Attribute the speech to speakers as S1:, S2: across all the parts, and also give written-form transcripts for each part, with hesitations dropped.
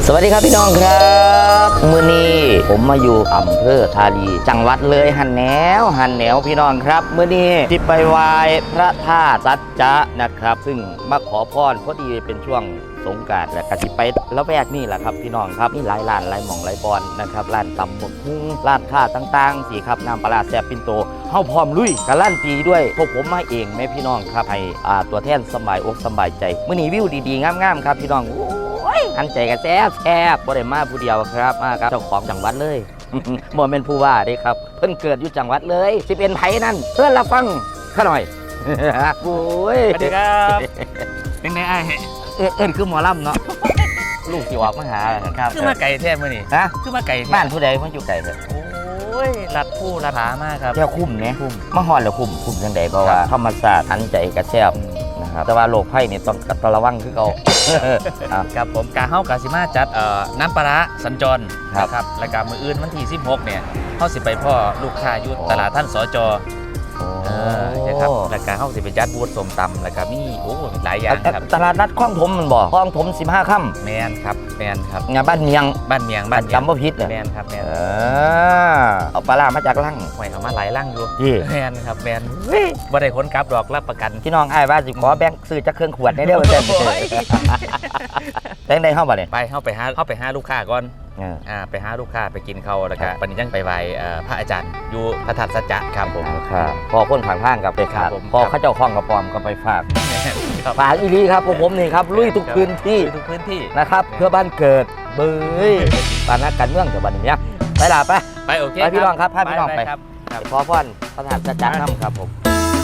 S1: สวัสดีครับพี่น้องครับมื้อนี้ผมมาอยู่อำเภอธาลีจังหวัดเลยหันแนวพี่น้องครับมื้อนี้ที่ไปไหว้พระธาตุสัจจะนะครับซึ่งมาขอพรพอดีเป็นช่วงสงกรานต์และก็สิไปแล้วแวกนี่แหละครับพี่น้องครับนี่หลายร้านหลายหม่องหลายบอนนะครับร้านตำบกหุ้งร้านค้าต่างๆสิครับน้ำปลาแซ่บปิ่นโตเฮาพร้อมลุยการันตีด้วยพวกผมมาเองแม่พี่น้องครับให้ตัวแทนสบายอกสบายใจมื้อนี้วิวดีๆงามๆครับพี่น้องอันใจกันแซ่บบ่ได้มาผู้เดียวครับมาครับเจ้าของจังหวัดเลย บ่เป็นผู้ว่าเด้ครับเพิ่นเกิดอยู่จังหวัดเลยสิเป็นไผนั่นเพิ่นละฟังข้าหน่อย โอ้ย
S2: สวัสดีครับเป็นไงไอ้
S1: เอิ้นคือหมอลำเนาะ ลูกสิออกมาหาครับ
S2: คือมาไก่แท้มื้อนี่
S1: ฮะ
S2: คือมาไก่แท้
S1: บ้านผู้ใดมันอยู่ไกลเถอะ
S2: โอ้ยรัดผู้รัดผามากครับ
S1: แค่คุ้มเนี่ยคุ้มมาฮอดแล้วคุ้มจังได๋เพราะว่าธรรมศาสตร์ทันใจกระแซ่บนะครับแต่ว่าโรคภัยนี่ต้องระวังคือเก่า
S2: ครับผมกาเฮากาสิมาจัดน้ำปลาร้าสัญจร
S1: ครับ
S2: นะครับรายการมื้ออื่นวันที่16เนี่ยเฮาสิไปพ่อลูกค้าอยู่ตลาดท่านสจนะครับรายการเฮาสิไปจัดบูธส้มตำแล้วก็มีหลายอย่างครับ
S1: ตลาดนัดคลองถมมันบ่คลองถม15ค่ำ
S2: แมนครับ
S1: งานบ้านเมียง
S2: บ้านเมียง
S1: จำบ่ผิดเนี่ย
S2: แมนครับแมน
S1: เอาปลาร้ามาจากลัง
S2: หวยเอามาหลายร่างอยู่
S1: ที่
S2: แมนครับแมนบ่ได้คนกลับดอกรับประกัน
S1: พี่น้องอ้ายว่าสิขอแบ่งซื้อจักเครื่องขวดได้เด้อว่าซั่นแต่งได้เฮาบ่เนี่ย
S2: ไปเข้าไปหาลูกค้าก่อนไปหาลูกค้าไปกินเขาแล้วก็ปณิจังไปไหว้พระอาจารย์อยู่พระธาตุสัจจะครับผม
S1: ครับพอคนข้างๆกับไปขาด
S2: ครับผม
S1: พอเขาเจ้าของกระปอมก็ไปฝากฝากอีหลีครับพวกผมนี่ครับลุยทุกพื้นที่
S2: ทุกพื้นที่
S1: นะครับเพื่อบ้านเกิดเบ้ยบ้านนักการเมืองกับบ้านนี้ไปล่ะไป
S2: ไปโอเค
S1: ไปพี่น้องครับพาพี่น้องไป
S2: ครับ
S1: ขอพรพระธาตุสัจจะนำครับผม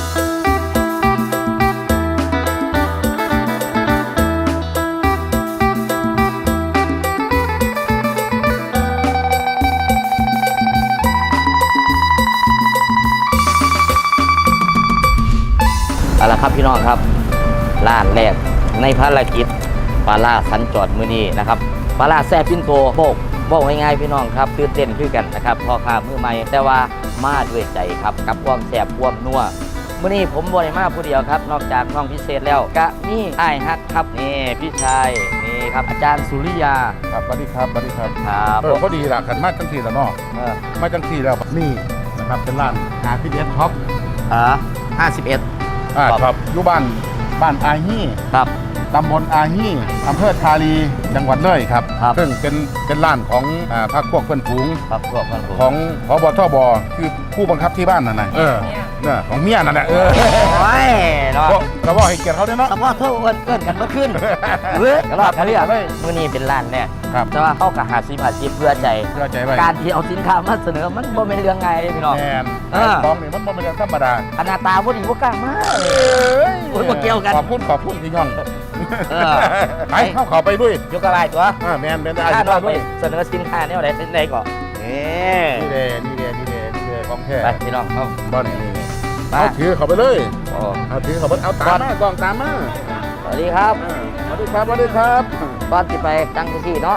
S1: เอาละครับพี่น้องครับร้านแรกในภารกิจปลาล่าสัญจรมื้อนี้นะครับปลาล่าแซ่บปิ่นโตบอกง่ายๆพี่น้องครับตื่นเต้นคือกันนะครับพ่อค้ามือใหม่แต่ว่ามาด้วยใจครับกับความแซ่บความนัวมื้อนี้ผมบ่ได้มาผู้เดียวครับนอกจากน้องพิเศษแล้วก็มีอ้ายฮักครับนี่พี่ชายนี่ครับอาจารย์สุริยา
S3: ครับสวัสดีครับสวัสดีครับ
S1: ครับ
S3: พอดีล่ะขันมาจังทีแล้วเนาะมาจังทีแล้วนี่นะครับเป็นร้านRPS Shop
S1: 51
S3: ครับอยู่บ้านอาฮี่
S1: ครับ
S3: ตำบลอาฮี่อำเภอธาลีจังหวัดเลยครับ
S1: ครับ
S3: ซึ่งเป็นร้านของพรรคพวกเพื่อนฝูง
S1: ครับพวกมันผม
S3: ของพบทบคือผู้บังคับที่บ้านนั่นน่ะเนี่ยของเมียนั่นแหละ
S1: โอ้ยเนาะ
S3: เราบอกให้เกียรติเขาด้วยเนาะ
S1: แต่ว่าเท่าเกินกันเมื่อคืนเฮ้ยรอบเขาเรียกมื้อนี้เป็นร้านเนี่ย
S3: ครับ
S1: แต่ว่าเข้ากับหาซีเพื่อใจ
S3: เชื่อใจไว้
S1: การที่เอาสินค้ามาเสนอมันบ่เป็นเรื่องง่ายเลยพี่น้อง
S3: แมน
S1: เออ
S3: ของนี่มันบ่เป็นเรื่องธรรมดา
S1: ขนาดตาบ่ดีบ่กล้ามาโอ้ยบ่เกี่ยวกัน
S3: ขอบคุณพี่ย่อง
S1: เออ
S3: ไปเข้าไปด้วย
S1: ยกกระบายตัว
S3: แมนเป็นได้
S1: ถ้าเรา
S3: ด้
S1: ไป
S3: วย
S1: เสนอสินค้าแนวใดเป็นใดก่อนนี่
S3: นี่เลยของแท้
S1: ไปพี่น้องเข้า
S3: บ้านนี่
S1: มา
S3: เอาถือเข้าไปเลย
S1: โอ้
S3: เอาถือเข้าไปเอาตามมากล้องตามมา
S1: สวัสดีครับ
S3: สวัสดีครับสวัสดีครับ
S1: ก่อนสิไปตั้งที่เนาะ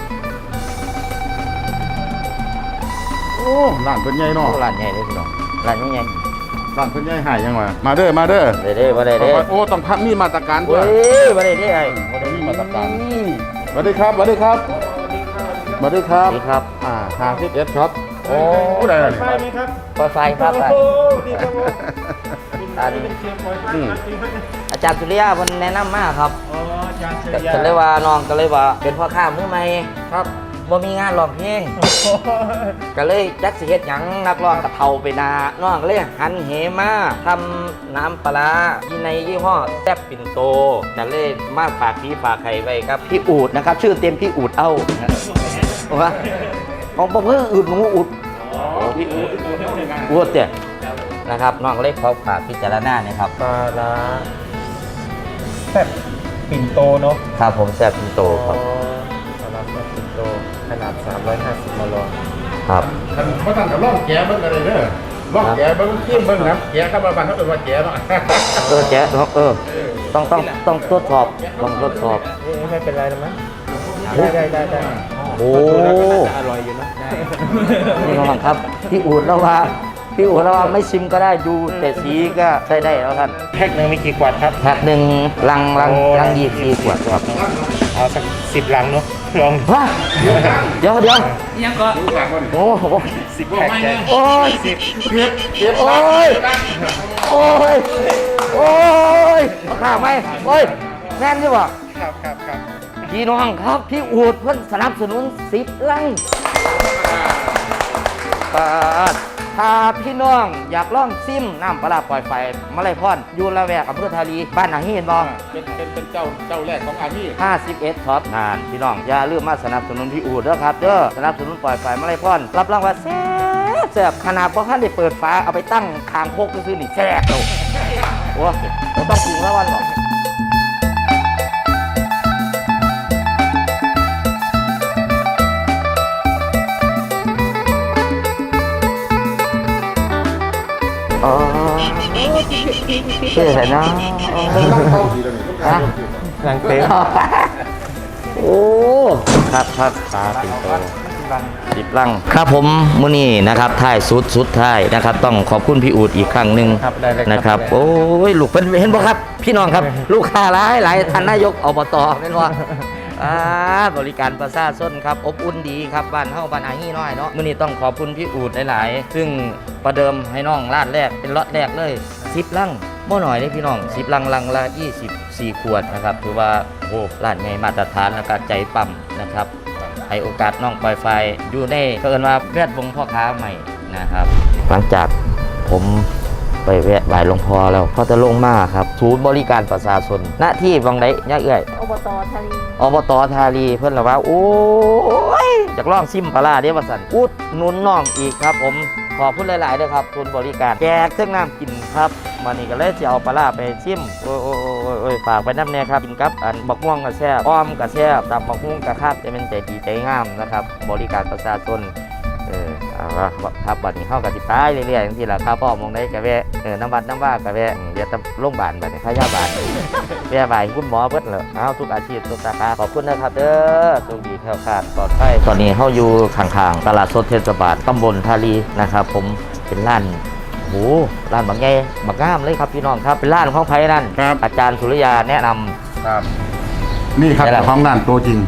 S3: โอ้ร้านเพิ่นใหญ่เนาะ
S1: โอ้ร้านใหญ่เลยพี่น้องร้านใหญ่
S3: ร้านเพิ่นใหญ่หายยังวะมาเด้อมาเด้อ
S1: ๆบ่ได้เด้
S3: โอ้ต้องพักมีมาตรการด้
S1: เว้
S3: วย
S1: ยบ่ได้เด้ไอ้
S3: มีมาตรการสวัสดีครับสวัสดีครับสวัสดีครั
S1: ส
S3: บ
S1: วัสดีครับ
S3: 51ครับโอ้ได้เลย
S1: ปล่อยไฟครับไปอันอาจารย์สุริยาเพิ่นแนะนำมาครับก็เลยว่าน้องก็เลยว่าเป็นพ่อค้ามือใหม่ครับบ่มีงานร้องเพลงก็เลยจักสิเฮ็ดหยังนักร้องกะเฒ่าไปนาน้องก็เลยหันเหมาทำน้ำปลาร้าที่ในยี่ห้อแซ่บปิ่นโตก็เลยมาฝากพี่ฝากไข่ไว้ครับพี่อูดนะครับชื่อเต็มพี่อูดเอาว่าของบ่เพิ่งอูดหนูอูดพี่อูดเด้นะครับน้องเล็กเขาฝากพิจารณาเนี่ยครับ
S4: ปลาร้าแซ่บปิ่นโตเนาะ
S1: ครับผมแซ่บปิ่นโตครับ
S4: ปลาร้าแซ่บปิ่นโตขนาด350มล
S1: ครับ
S3: ท่านบ่ต้องกับล่องแกเบิ่งกันเลยเด้อล่องแกเบิ่งขึ้นเบิ่งครับแกครับบ้านเขาเป็นว่าแกเนาะ
S1: แจ๊ะต้องทดสอบต้องทดสอบ
S4: ไม่เป็นไรหรอกมั้งได้
S1: โอ้
S4: อร่อยอยู่นะได้
S1: นี่น้องครับพี่อูดแล้วว่าไม่ชิมก็ได้ดูแต่สีก็ใช้ได้แล้วท่าน
S4: แพ็คหนึ่งมีกี่ขวดครับ
S1: แพ็คหนึ่งลัง24 ขวดครับ
S4: เอาสัก10 ลังเนาะลอง
S1: ฮะเดี๋ยว
S2: ยังก็
S3: รู้จักบ่นี่
S1: โอ้โห
S4: 10 แพ็คแก
S1: โอ้ย
S3: เก็บ
S1: โอ้ยโอ้ยโอ้ยข้าวไหมโอ้ยแน่นใช่ปะ
S4: ครับ
S1: พี่น้องครับพี่อูดเพิ่นสนับสนุน10 ลังถ้าพี่น้องอยากลองซิมน้ำปลาร้าปล่อยไฟมาลัยพรอยู่ละแวกอำเภอทาลีบ้านหนังเห็นบ่
S3: เป็นเจ้าแรกของอามี่
S1: 51ท็อปนานพี่น้องอย่าลืมมาสนับสนุนพี่อูดเด้อครับเด้อสนับสนุนปล่อยไฟมาลัยพรรับรองว่าแซ่บขนาดบ่ทันได้เปิดฝาเอาไปตั้งคางโคกซื่อๆนี่แซ่บโตโอ้บ่ต้องปรุงแล้ววันหรอกอ๋อเชื่อแต่นะ
S3: เข้าดีแล้วนี่
S1: ฮะ
S4: หลังเต็ม
S1: โอ้ครับตาติโต10 ลังครับผมมื้อนี้นะครับท้ายสุดท้ายนะครับต้องขอบคุณพี่อูดอีกครั้งหนึ่ง
S4: ครับได้เลย
S1: นะครับโอ้ยลูกเพิ่นเห็นบ่ครับ พี่น้องครับลูกค้าหลายท่านนายกอบตแม่นบ่บริการประชาชนครับอบอุ่นดีครับบ้านเฮาบ้านอาฮีน้อยเนาะมื้อนี้ต้องขอบคุณพี่อูดหลายๆซึ่งประเดิมให้น้องร้านแรกเป็นล็อตแรกเลย10 ลังบ่น้อยเลยพี่น้อง10 ลังละ24 ขวดนะครับถือว่าโอ้ร้านใหญ่มาตรฐานแล้วก็ใจปั๊มนะครับให้โอกาสน้องปล่อยไฟอยู่ในเอิ้นว่าแวดวงพ่อค้าใหม่นะครับหลังจากผมไปแวะบ่ายหลวงพ่อแล้วเขาจะลงมาครับศูนย์บริการประชาชนหน้าที่วังไดย่าเอื้อย
S5: อบตทารี
S1: อบตทารีเพิ่นละว่าโอ้ยอยากลองซิมปลาร้าเด้ว่าสั่นอุดหนุนน้องอีกครับผมขอบคุณหลายๆด้วยครับศูนย์บริการแจกเครื่องน้ำกินครับมานี่ก็เลยจะเอาปลาร้าไปชิมโอ้ยฝากไปน้ำแน่ครับกินกับอันบักม่วงกับแซ่บอ้อมกับแซ่บตับบักม่วงกับคาบจะเป็นใจดีใจงามนะครับบริการประชาชนเอาละครับบัดนี้เข้ากับติดตายเรื่อยๆอย่างที่ละครับพ่อมองได้กะแวะน้ำบัดน้ำว่ากะแวะเดี๋ยวจะโรงพยาบาลบัดนี้พยาบาลแวะบ่ายคุณหมอเบิดเลยเอาทุกอาชีพทุกสาขาขอบคุณนะครับเด้อโชคดีแคล้วคลาดปลอดภัยตอนนี้เข้าอยู่ข้างๆตลาดสดเทศบาลตำบลทาลีนะครับผมเป็นร้านโอ้ร้านบางแง่บางงามเลยครับพี่น้องครับเป็นร้านของไผ่นั่นอาจารย์สุริยาแนะนำ
S3: ครับ นี่ครับเจ้าของร้านตัวจริง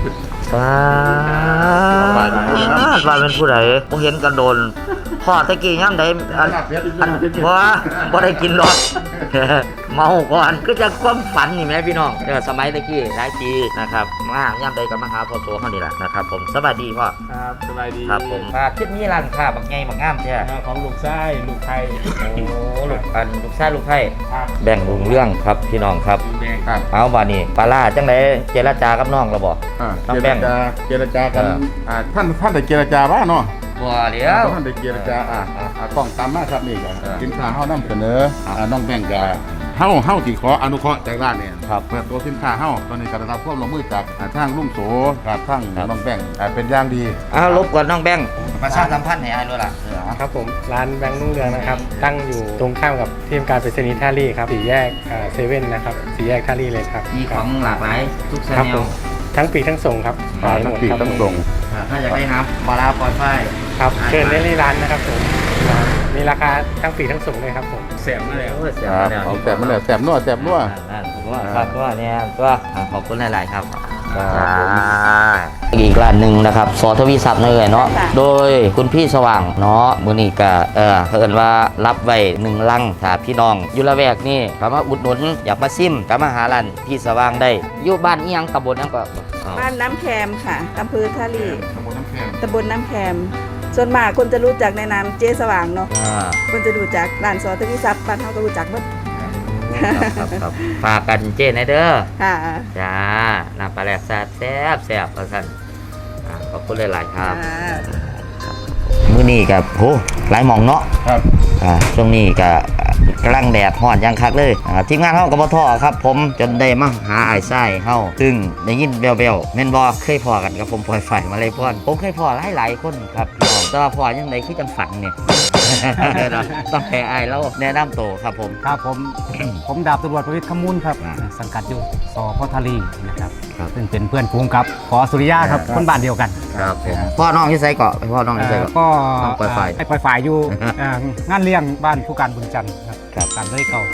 S1: ว่าเป็นผู้ใดผมเห็นกันโดนพ่อตะกี้ย่ำใดอันบ่ได้กินหรอก เมาก่อนก็จะความฝันนี่แม่พี่น้องสมัยตะกี้หลายปีนะครับมาย่ำใดกับมาหาพ่อโซเขานี่แหละนะครับผมสวัสดีพ่อ
S4: ครับสบายดี
S1: ครับผมคิดนี้ร้านค้าบางไงบางงามใช่
S4: ของลูกไส้ลูกไทย
S1: โอ้ลูกชายลูกไผ่
S4: ครับ
S1: แบ่งลุงเรื่องครับพี่น้องครับ
S4: แดง
S3: ครับ
S1: เอาบ่านี่ปลาล่าจังไดเจรจากับน้องเราบ่ น้องแบงค์
S3: เจรจากันท่านได้เจรจาบ้างเนาะ
S1: บ่เดี๋ยว
S3: ท่านได้เจรจากล้องตามมาครับนี่ก็สินค้าเฮานำเสนอน้องแบงค์ก็เฮาสิขออนุเคราะห์จากร้านเนี่ยเปิดตัวสินค้าเฮาตอนนี้ก็ได้รับความร่วมมือจากทางลุงโสกับทางน้องแบงค์เป็นอย่างดี
S1: เอารบกวนน้องแบงค์ประชาสัมพันธ์ให้อ้ายด้วยล่ะ
S4: ครับผมร้านแบงค์รุ่งเรืองนะครับ ตั้งอยู่ตรงข้ามกับที่ทำการไปรษณีย์ท่าลี่ครับสี่แยกเซเว่นนะครับสี่แยกท่าลี่เลยครับ
S1: มีของหลากหลายทุกช
S4: ครับ
S1: นิ
S4: ผ
S1: ด
S4: มทั้งปีกทั้งส่งครับขายหม
S3: ทั้ง
S4: ด
S3: ปีก
S4: ครับ
S3: ทั้งส่ง
S1: ถ้าอยากได้น้ำปลาร้าปล่อยไฟ
S4: ครับเชิญได้ที่ร้านนะครับผมมีราคาทั้งปีกทั้งส่งเลยครับผมเสียมาแล้ว
S1: โอ้ยเสีย
S3: ครับ
S1: แล้ว
S3: เอาแสบมาแล้วแสบนัวแสบนัว
S1: ผมว่าครับว่าเนี่ยก็ขอบคุณหลายๆครับ
S3: ครับผม
S1: อีกร้านหนึ่งนะครับสอทวีศัพท์เลยเนาะโดยคุณพี่สว่างเนาะมื้อนี้ก็เพิ่นว่ารับไว้1 ลังถ้าพี่น้องอยู่ละแวกนี่ก็มาอุดหนุนอยากมาซิมก็มาหาร้านพี่สว่างได้อยู่บ้านอีหยังตำบลหยังก็
S5: บ้านน้ำแคมค่ะอำเภอทารี
S3: ตำบลน้ำแข็ง
S5: ตำบลน้ำแคมส่วนมากคนจะรู้จักในนามเจ๊สว่างเนาะ
S1: อ่า
S5: คนจะรู้จักร้านซอทวิทรัพย์บ้านเขาก็รู้จักหมด
S1: ครับฝากกันเจนเด้อ
S5: ค่ะ
S1: จ้าน้ำปลาแหลกแซ่บแซ่บเอาสั่นขอบคุณหลายๆครับมื้อนี้กับโหหลายหม่องเนาะ
S3: ครับ
S1: ช่วงนี้ก็กำลังแดดฮ้อนยังคักเลยทีมงานเฮาก็บ่ท้อครับ ผมจนได้มาหาอ้ายชายเฮาซึ่งได้ยินแว่วๆแม่นบ่เคยพ้อกันกับผมปล่อยไฟมาเลยพ่อนผมเคยพ้อหลายๆคนครับพี่น้องแต่ว่าพ้อยังไดคือจังฝันเนี่ย ต้องให้อ้ายเราแนะนำตัวครับผม
S6: ครับผม ผมดาบตำรวจประวิตรขมูลครับสังกัดอยู่สพทารีนะครับ
S1: ครับ
S6: ซึ่งเป็นเพื่อนฟูงกับขอสุริยาครับคนบ้านเดียวกัน
S1: ครับผมพ่อน้องที่ไสเกาะพ่อน้องที่ไสเกาะ
S6: ก็
S1: ต้องปล่อยฝ่าย
S6: ให้ปล่อยฝ่ายอยู่งานเลี้ยงบ้านผู้การบุญจันทร์ครับ
S1: ครับ
S6: การเลยเก่า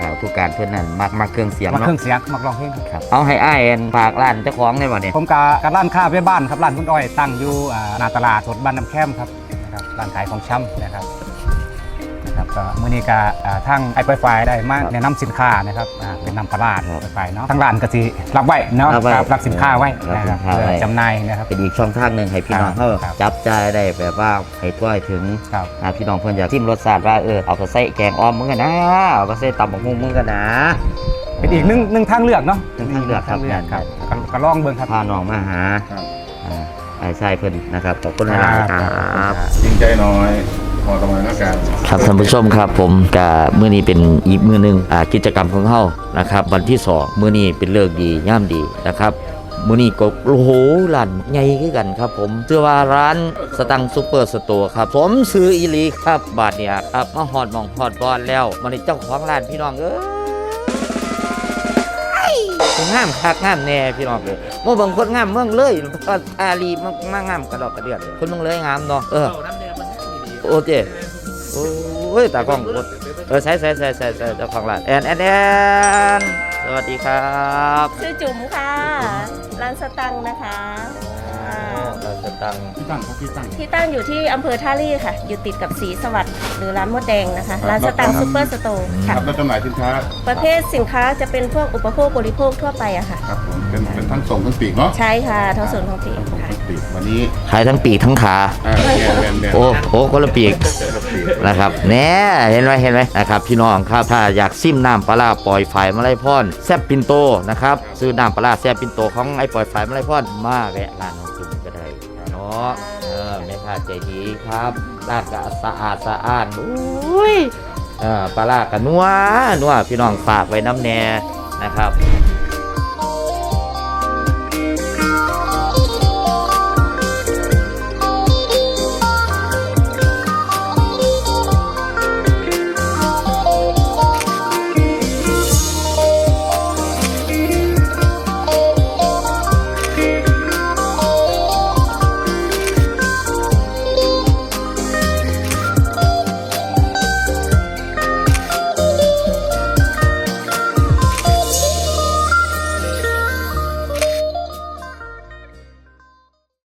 S1: ผู้การเพื่อนนั่นมักเครื่องเสียง
S6: มาเครื่อ
S1: เนาะ
S6: งเสียงมักร้องเพลงครับ
S1: ครับเอาให้อ้ายฝากร้านเจ้าของได้บ่เนี่ย
S6: ผมกับร้านค้าแม่บ้านครับร้านคุณอ้อยตั้งอยู่หน้าตลาดสดบ้านน้ำแคมครับนะครับร้านขายของชำนะครับก็มื้อนี้ก็ทางไอไฟได้มาแนะนำสินค้านะครับเป็นน้ำปลาร้าไปเนาะทางร้านก็สิรับไว้เนาะรับสินค้าไว้นะครับเพื่อจำหน่ายนะครับ
S1: เป็นอีกช่องทางหนึ่งให้พี่น้องเขา
S6: ครับ
S1: จับจ่ายได้แบบว่าให้ทั่วถึง
S6: ครับ
S1: พี่น้องเพื่อนอยากชิมรสชาติว่าเอาไปใส่แกงอ้อมมึงกันนะเอาไปใส่ตำบักหุ่งมึงกันนะ
S6: เป็นอีกหนึ่งทางเลือกเนาะ
S1: หนึ่งทางเลือกครับ
S6: ครับก็ลองเบิ่งครับ
S1: พาน้องมาหา
S3: ครับ
S1: ไอ้ชายเพื่อนนะครับขอบคุณหลายๆครับ
S3: จริงใจหน่อยพอตำแหน่งนักการ
S1: ครับท่านผู้ชมครับผมกับมื้อนี้เป็นอีกมื้อหนึงกิจกรรมของเฮานะครับวันที่2มื้อนี้เป็นเลิกดีย่ามดีนะครับมื้อนี้ก็โอ้โหร้านใหญ่คือกันครับผมชื่อว่าร้านสตังซูเปอร์สโตร์ครับผมซื้ออีหลีครับบาทเนี่ยครับมาฮอดหมองฮอดบอนแล้วมื้อนี้เจ้าของร้านพี่น้องงามคักงามแน่พี่น้องเลยโมบางคนงามเมืองเลยอาลีมางามกระดอกกระเดือดคนเมืองเลยงามเนาะโอเคโอ้ยตากล้องใส่เจ้าของร้านแอนสวัสดีครับ
S7: ชื่อจุ๋มค่ะ ร้านสตังค์นะคะอ่า
S1: ร้านสตัง
S3: ที่ตั้งครับที่ตั้ง
S7: ที่ตั้งอยู่ที่อำเภอท่าลี่ค่ะ อยู่ติดกับศรีสวัสดิ์หรือร้านมดแดงนะคะ ร้านสตังค์ซูเปอร์สโตร์
S3: ค
S7: ค่ะ
S3: รับแล้วจำหน่ายสินค้า
S7: ประเภทสินค้าจะเป็นพวกอุปโภคบริโภคทั่วไปอะค่ะ
S3: ครับผมเป็นทั้งส่งทั้งปีกเนาะ
S7: ใช่ค่ะทั้งส่วนของปี
S3: ทั้งส่ง
S7: ค่ะ
S3: ทั้งปีกวันนี้
S1: ขายทั้งปีกทั้งขา
S3: แมน
S1: โอ้โหคนละปีกนะครับแน่เห็นไหมนะครับพี่น้องครับถ้าอยากซิมน้ำปลาร้าปล่อยไฟมาไล่พ่อนแซบปินโตนะครับซื้อน้ำปลาร้าแซบปินโตของไอ้ปล่อยไฟมาไล่พ่อนมาแวะร้านน้องจุ๋มก็ได้เนาะแม่ค้าใจดีครับร้านก็สะอาดอุ้ยปลาร้าก็นัวพี่น้องฝากไว้น้ำแน่นะครับ